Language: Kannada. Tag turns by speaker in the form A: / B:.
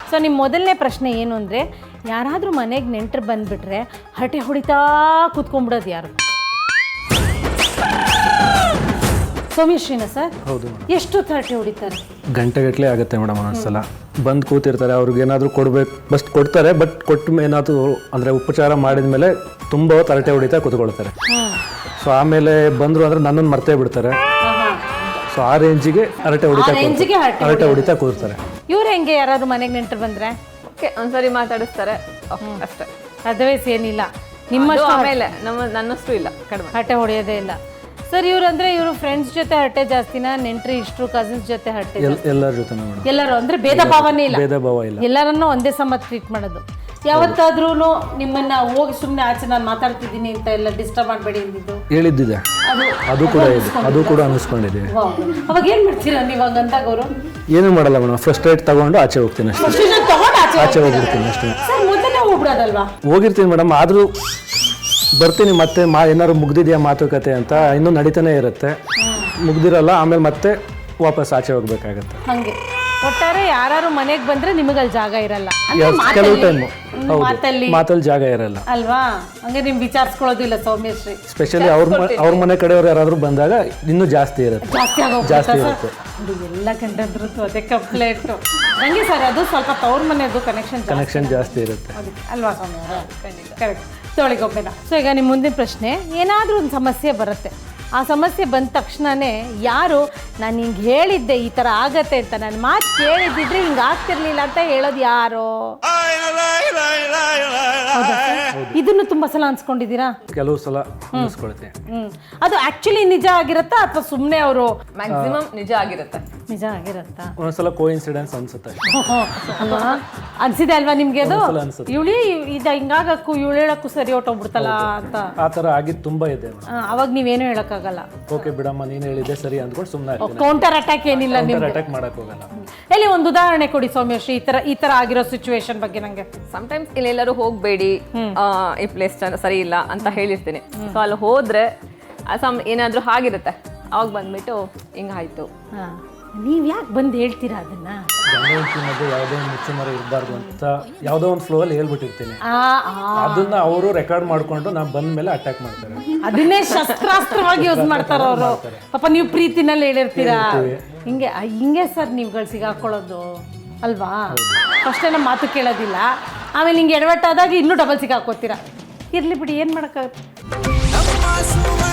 A: ಸೊ ನಿಮ್ಮ ಮೊದಲನೇ ಪ್ರಶ್ನೆ ಏನು ಅಂದರೆ, ಯಾರಾದರೂ ಮನೆಗೆ ನೆಂಟರು ಬಂದುಬಿಟ್ರೆ ಹರಟೆ ಹೊಡಿತಾ ಕೂತ್ಕೊಂಡ್ಬಿಡೋದು ಯಾರು? ಸೌಮ್ಯಶ್ರೀನ ಸರ್?
B: ಹೌದು.
A: ಎಷ್ಟು ಹರಟೆ ಹೊಡಿತಾರೆ?
B: ಗಂಟೆಗಟ್ಟಲೆ ಆಗುತ್ತೆ ಮೇಡಮ್. ಒಂದೊಂದ್ಸಲ ಬಂದು ಕೂತಿರ್ತಾರೆ, ಅವ್ರಿಗೆ ಏನಾದರೂ ಕೊಡಬೇಕು, ಬಸ್ಟ್ ಕೊಡ್ತಾರೆ, ಬಟ್ ಕೊಟ್ಟ ಏನಾದರೂ ಅಂದರೆ ಉಪಚಾರ ಮಾಡಿದ ಮೇಲೆ ತುಂಬ ಹೊತ್ತು ಹರಟೆ ಹೊಡಿತಾ ಕೂತ್ಕೊಳ್ತಾರೆ. ಸೊ ಆಮೇಲೆ ಬಂದರು ಅಂದರೆ ನನ್ನನ್ನು ಮರ್ತೇ ಬಿಡ್ತಾರೆ. ಸೊ ಆ ರೇಂಜಿಗೆ ಹರಟೆ ಹೊಡಿತಾ ಕೂರ್ತಾರೆ.
A: ಇವ್ರು ಹೆಂಗೆ ಯಾರಾದ್ರು ಮನೆಗೆ ನೆಂಟರು ಬಂದರೆ?
C: ಓಕೆ, ಒಂದ್ಸರಿ ಮಾತಾಡಿಸ್ತಾರೆ ಅಷ್ಟೇ,
A: ಅದರ್ವೈಸ್ ಏನಿಲ್ಲ. ನಿಮ್ಮ
C: ಆಮೇಲೆ ನನ್ನಷ್ಟು ಇಲ್ಲ, ಕಡಿಮೆ
A: ಹರಟೆ ಹೊಡೆಯೋದೇ ಇಲ್ಲ ಸರ್. ಇವ್ರಂದ್ರೆ ಇವರು ಫ್ರೆಂಡ್ಸ್ ಜೊತೆ ಹರಟೆ ಜಾಸ್ತಿನ, ನೆಂಟ್ರಿ ಇಷ್ಟರು ಕಸಿನ್ಸ್ ಜೊತೆ ಹರಟೆ?
B: ಎಲ್ಲರ ಜೊತೆ ಮೇಡಮ್.
A: ಎಲ್ಲರೂ ಅಂದ್ರೆ ಭೇದ ಭಾವನೇ ಇಲ್ಲ,
B: ಭೇದ ಭಾವ ಇಲ್ಲ,
A: ಎಲ್ಲರನ್ನೂ ಒಂದೇ ಸಮ ಟ್ರೀಟ್ ಮಾಡೋದು. ಯಾವತ್ತಾದ್ರೂ ನಿಮ್ಮನ್ನ ಹೋಗಿ ಸುಮ್ಮನೆ ಆಚೆ ನಾನು ಮಾತಾಡ್ತಿದ್ದೀನಿ ಅಂತ ಎಲ್ಲ ಡಿಸ್ಟರ್ಬ್ ಮಾಡಬೇಡಿ ಅಂದಿದ್ದು
B: ಹೇಳಿದ್ದಿದೆ? ಅದು ಕೂಡ ಅನ್ನಿಸ್ಕೊಂಡಿದೆ.
A: ಅವಾಗ ಏನ್ ಮಾಡ್ತೀರಾ ನೀವು ಹಂಗಂದಾಗ? ಅವರು
B: ಏನೂ ಮಾಡಲ್ಲ ಮೇಡಮ್, ಫ್ರಸ್ಟ್ರೇಟ್ ತಗೊಂಡು ಆಚೆ ಹೋಗ್ತೀನಿ ಅಷ್ಟೇ. ಆಚೆ ಹೋಗ್ಬಿಡ್ತೀನಿ ಅಷ್ಟೇ.
A: ಸರ್ ಮೊದಲೇ ಹೋಗ್ಬಿಡೋದಲ್ವಾ?
B: ಹೋಗಿರ್ತೀನಿ ಮೇಡಮ್, ಆದರೂ ಬರ್ತೀನಿ ಮತ್ತೆ ಏನಾದ್ರು ಮುಗ್ದಿದೆಯಾ ಮಾತುಕತೆ ಅಂತ ಇನ್ನೂ ನಡೀತಾನೆ ಇರುತ್ತೆ. ಮುಗ್ದಿರಲ್ಲ, ಆಮೇಲೆ ಮತ್ತೆ ವಾಪಸ್ ಆಚೆ ಹೋಗ್ಬೇಕಾಗತ್ತೆ.
A: ಹಂಗೆ ಒಟ್ಟಾರೆ ಯಾರು ಮನೆಗೆ ಬಂದ್ರೆ ನಿಮಗಲ್ಲಿ ಜಾಗ ಇರಲ್ಲ,
B: ಕೆಲವು ಟೈಮು ಮಾತಲ್ಲಿ ಜಾಗ ಇರಲ್ಲ
A: ಅಲ್ವಾ? ಹಂಗೆ ನಿಮ್ ವಿಚಾರಿಸ್ಕೊಳ್ಳೋದಿಲ್ಲ ಸೌಮ್ಯಶ್ರೀ.
B: ಸ್ಪೆಷಲಿ ಅವ್ರ ಮನೆ ಕಡೆಯವ್ರು ಯಾರಾದ್ರೂ ಬಂದಾಗ ಇನ್ನೂ ಜಾಸ್ತಿ ಇರುತ್ತೆ. ಜಾಸ್ತಿ ಇರುತ್ತೆ.
A: ಎಲ್ಲ ಕಂಡಂದ್ರು ಅದೇ ಕಂಪ್ಲೇಂಟ್. ಹಂಗೆ ಸರ್, ಅದು ಸ್ವಲ್ಪ ತವ್ರ ಮನೆಯದು ಕನೆಕ್ಷನ್
B: ಜಾಸ್ತಿ ಇರುತ್ತೆ
A: ಅಲ್ವಾ ಸೌಮ್ಯ? ಕರೆಕ್ಟ್. ತೊಳಿಗೊಬ್ಬೆನ. ಸೊ ಈಗ ನಿಮ್ಮ ಮುಂದಿನ ಪ್ರಶ್ನೆ, ಏನಾದರೂ ಒಂದು ಸಮಸ್ಯೆ ಬರುತ್ತೆ, ಆ ಸಮಸ್ಯೆ ಬಂದ ತಕ್ಷಣವೇ ಯಾರು ನಾನು ಹಿಂಗೆ ಹೇಳಿದ್ದೆ ಈ ಥರ ಆಗತ್ತೆ ಅಂತ, ನಾನು ಮಾತು ಕೇಳಿದ್ದಿದ್ರೆ ಹಿಂಗೆ ಆಗ್ತಿರ್ಲಿಲ್ಲ ಅಂತ ಹೇಳೋದು ಯಾರು? ಇದನ್ನು ತುಂಬಾ ಸಲ ಅನ್ಸ್ಕೊಂಡಿದ್ದೀರಾ?
B: ಕೆಲವು ಸಲ ಅನ್ಸ್ಕೊಳ್ತೀನಿ.
A: ಅದು ಆಕ್ಚುಲಿ ನಿಜ ಆಗಿರತ್ತಾ ಅಥವಾ ಸುಮ್ಮನೆ ಅವರು?
C: ಮ್ಯಾಕ್ಸಿಮಮ್ ನಿಜ ಆಗಿರುತ್ತೆ.
A: ನಿಜ ಆಗಿರತ್ತಾ?
B: ಒಂದೊಂದ್ಸಲ ಕೋಇನ್ಸಿಡೆನ್ಸ್ ಅನ್ಸುತ್ತೆ
A: ಅಲ್ವಾ? ಅನ್ಸಿದೆ ಅಲ್ವಾ ನಿಮ್ಗೆ? ಅದು ಇವಳಿ ಹಿಂಗಾಗಕ್ಕೂ ಇವಳು ಹೇಳಕ್ಕೂ ಸರಿ ಹೊಟ್ಟೋಗ್ಬಿಡ್ತಲ್ಲ ಅಂತ
B: ಆ ಥರ ಆಗಿದ್ದು ತುಂಬಾ ಇದೆ.
A: ಅವಾಗ ನೀವೇನು ಹೇಳಕ್ಕಾಗಲ್ಲ.
B: ಓಕೆ ಬಿಡಮ್ಮ, ನೀನು ಹೇಳಿದ್ದೆ ಸರಿ ಅಂದ್ಕೊಂಡು ಸುಮ್ಮನೆ
A: ಕೌಂಟರ್ ಅಟ್ಯಾಕ್ ಏನಿಲ್ಲ, ನಿಮ್ಗೆ
B: ಅಟ್ಯಾಕ್ ಮಾಡಕ್ ಹೋಗಲ್ಲ.
A: ಎಲ್ಲಿ ಒಂದು ಉದಾಹರಣೆ ಕೊಡಿ ಸೌಮ್ಯಶ್ರೀ, ಈ ತರ ಆಗಿರೋ ಸಿಚುವೇಶನ್ ಬಗ್ಗೆ ನಂಗೆ.
C: ಸಮಟೈಮ್ಸ್ ಇಲ್ಲೆಲ್ಲರೂ ಹೋಗ್ಬೇಡಿ, ಈ ಪ್ಲೇಸ್ ಸರಿ ಇಲ್ಲ ಅಂತ ಹೇಳಿರ್ತೀನಿ. ಸೊ ಅಲ್ಲಿ ಹೋದ್ರೆ ಏನಾದ್ರೂ ಆಗಿರುತ್ತೆ, ಅವಾಗ ಬಂದ್ಬಿಟ್ಟು ಹಿಂಗಾಯ್ತು.
A: ನೀವ್ ಯಾಕೆ ಬಂದು ಹೇಳ್ತೀರಾ ಅದನ್ನ?
B: ಮಧ್ಯೆ ಯಾವುದೋ ಒಂದು ಮುಚ್ಚುಮರ ಇರಬಾರ್ದು ಅಂತ ಯಾವುದೋ ಒಂದು ಫ್ಲೋ ಅಲ್ಲಿ ಹೇಳ್ಬಿಟ್ಟಿರ್ತೀನಿ. ಅದನ್ನ ಅವರು ರೆಕಾರ್ಡ್ ಮಾಡ್ಕೊಂಡು ನಾವು ಬಂದ ಮೇಲೆ ಅಟ್ಯಾಕ್ ಮಾಡ್ತಾರೆ.
A: ಅದನ್ನೇ ಶಸ್ತ್ರಾಸ್ತ್ರವಾಗಿ ಯೂಸ್ ಮಾಡ್ತಾರ ಅವರು. ಪಾಪ ನೀವು ಪ್ರೀತಿನಲ್ಲಿ ಹೇಳಿರ್ತೀರಾ. ಹಿಂಗೆ ಸರ್ ನೀವುಗಳು ಸಿಗಾಕೊಳ್ಳೋದು ಅಲ್ವಾ? ಫಸ್ಟ್ ನಮ್ಮ ಮಾತು ಕೇಳೋದಿಲ್ಲ, ಆಮೇಲೆ ಹಿಂಗೆ ಎಡವಟ್ಟಾದಾಗ ಇನ್ನೂ ಡಬಲ್ ಸಿಗಾಕೋತೀರಾ. ಇರ್ಲಿ ಬಿಡಿ, ಏನ್ ಮಾಡಕ್ಕಾಗುತ್ತೆ.